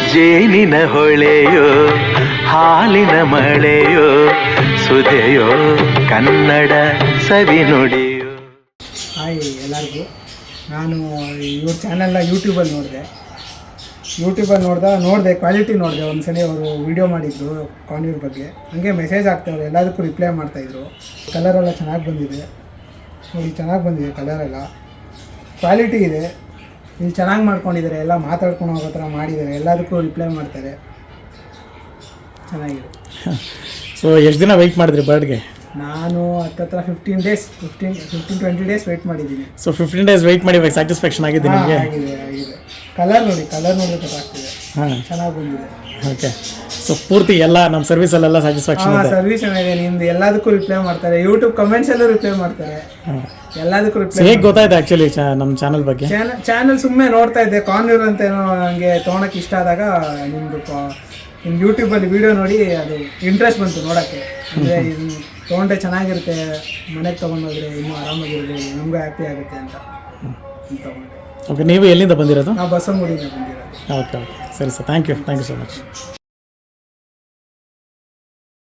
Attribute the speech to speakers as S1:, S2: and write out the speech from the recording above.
S1: ಜೇನಿನ ಹೊಳೆಯೋ ಹಾಲಿನ ಮಳೆಯೋ ಸುದೆಯೋ ಕನ್ನಡ ಸವಿನುಡಿಯೋ.
S2: ಹಾಯ್ ಎಲ್ಲರಿಗೂ. ನಾನು ಇವ್ರ ಚಾನೆಲ್ನ ಯೂಟ್ಯೂಬಲ್ಲಿ ನೋಡಿದೆ ಕ್ವಾಲಿಟಿ ನೋಡಿದೆ. ಒಂದು ಸಲ ಅವರು ವೀಡಿಯೋ ಮಾಡಿದ್ರು ಕಾನ್ಯೂರ್ ಬಗ್ಗೆ, ಹಾಗೆ ಮೆಸೇಜ್ ಆಗ್ತಾವ್ರು, ಎಲ್ಲದಕ್ಕೂ ರಿಪ್ಲೈ ಮಾಡ್ತಾಯಿದ್ರು. ಕಲರೆಲ್ಲ ಚೆನ್ನಾಗಿ ಬಂದಿದೆ ನೋಡಿ, ಚೆನ್ನಾಗಿ ಬಂದಿದೆ ಕಲರೆಲ್ಲ, ಕ್ವಾಲಿಟಿ ಇದೆ. ಇಲ್ಲಿ ಚೆನ್ನಾಗಿ ಮಾಡ್ಕೊಂಡಿದ್ದಾರೆ, ಎಲ್ಲ ಮಾತಾಡ್ಕೊಂಡು ಹೋಗೋ ಥರ ಮಾಡಿದ್ದಾರೆ, ಎಲ್ಲದಕ್ಕೂ ರಿಪ್ಲೈ ಮಾಡ್ತಾರೆ, ಚೆನ್ನಾಗಿದೆ.
S3: ಸೊ ಎಷ್ಟು ದಿನ ವೆಯ್ಟ್ ಮಾಡಿದ್ರಿ ಬರ್ಡ್ಗೆ?
S2: ನಾನು ಹತ್ತತ್ರ 15-20 ಡೇಸ್ ವೆಯ್ಟ್ ಮಾಡಿದ್ದೀನಿ.
S3: ಸೊ 15 ಡೇಸ್ ವೆಯ್ಟ್ ಮಾಡಿ ಇವಾಗ ಸ್ಯಾಟಿಸ್ಫ್ಯಾಕ್ಷನ್ ಆಗಿದೆ ನಿಮಗೆ?
S2: ಆಗಿದೆ. ಕಲರ್ ನೋಡಿದ್ರೆ ಗೊತ್ತಾಗ್ತಿದೆ,
S3: ಹಾಂ
S2: ಚೆನ್ನಾಗಿ ಬಂದಿದೆ.
S3: ಓಕೆ. ಸೊ ಪೂರ್ತಿ ಎಲ್ಲ ನಮ್ಮ ಸರ್ವಿಸಲ್ಲೆಲ್ಲ ಸ್ಯಾಟಿಸ್ಫ್ಯಾಕ್ಷನ್ ಇದೆ?
S2: ಸರ್ವಿಸ್ ಚೆನ್ನಾಗಿದೆ. ನಿಮ್ದು ಎಲ್ಲದಕ್ಕೂ ರಿಪ್ಲೈ ಮಾಡ್ತಾರೆ, ಯೂಟ್ಯೂಬ್ ಕಮೆಂಟ್ಸಲ್ಲೂ ರಿಪ್ಲೈ ಮಾಡ್ತಾರೆ, ಎಲ್ಲದಕ್ಕೂ ರಿಪ್ಲೈ.
S3: ಹೇಗೆ ಗೊತ್ತಾಯ್ತು ಆ್ಯಕ್ಚುಲಿ ನಮ್ಮ ಚಾನಲ್ ಬಗ್ಗೆ?
S2: ಚಾನಲ್ ಸುಮ್ಮನೆ ನೋಡ್ತಾ ಇದ್ದೆ, ಕಾನ್ಯೂರ್ ಅಂತ ಏನೋ ನನಗೆ ತೊಗೊಳಕ್ಕೆ ಇಷ್ಟ ಆದಾಗ ನಿಮ್ಮ ಯೂಟ್ಯೂಬಲ್ಲಿ ವೀಡಿಯೋ ನೋಡಿ ಅದು ಇಂಟ್ರೆಸ್ಟ್ ಬಂತು ನೋಡೋಕ್ಕೆ. ಅಂದರೆ ಇದು ತೊಗೊಂಡ್ರೆ ಚೆನ್ನಾಗಿರುತ್ತೆ, ಮನೆಗೆ ತೊಗೊಂಡೋದ್ರೆ ಇನ್ನೂ ಆರಾಮಾಗಿರ್ಬೋದು, ನಮಗೂ ಹ್ಯಾಪಿ ಆಗುತ್ತೆ ಅಂತ ತೊಗೊಂಡೆ.
S3: ಓಕೆ. ನೀವು ಎಲ್ಲಿಂದ ಬಂದಿರೋದು?
S2: ನಾವು ಬಸವನಗುಡಿಯಿಂದ ಬಂದಿರೋದು.
S3: ಓಕೆ ಓಕೆ, ಸರಿ sir, thank you so much.